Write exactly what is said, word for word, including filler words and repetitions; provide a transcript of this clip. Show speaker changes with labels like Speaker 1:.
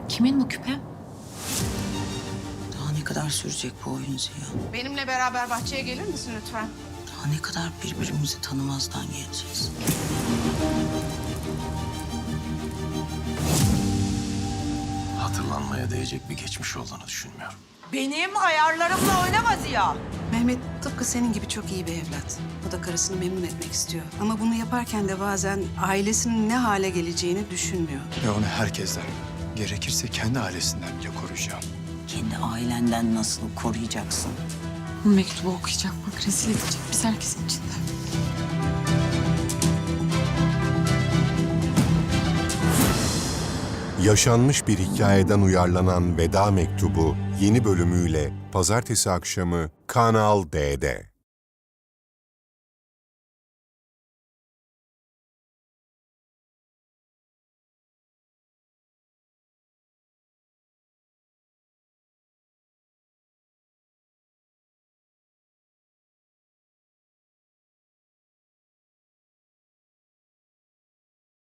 Speaker 1: Kimin bu küpe?
Speaker 2: Daha ne kadar sürecek bu oyun Ziya?
Speaker 3: Benimle beraber bahçeye gelir misin lütfen?
Speaker 2: Daha ne kadar birbirimizi tanımazdan geleceğiz?
Speaker 4: Hatırlanmaya değecek bir geçmiş olduğunu düşünmüyorum.
Speaker 5: Benim ayarlarımla oynama Ziya.
Speaker 6: Mehmet tıpkı senin gibi çok iyi bir evlat. O da karısını memnun etmek istiyor. Ama bunu yaparken de bazen ailesinin ne hale geleceğini düşünmüyor.
Speaker 7: Ve onu herkesten, gerekirse kendi ailesinden bile koruyacağım.
Speaker 2: Kendi ailenden nasıl koruyacaksın?
Speaker 1: Bu mektubu okuyacak bak, rezil edecek biz herkesin içinde.
Speaker 8: Yaşanmış bir hikayeden uyarlanan Veda Mektubu yeni bölümüyle pazartesi akşamı Kanal D'de.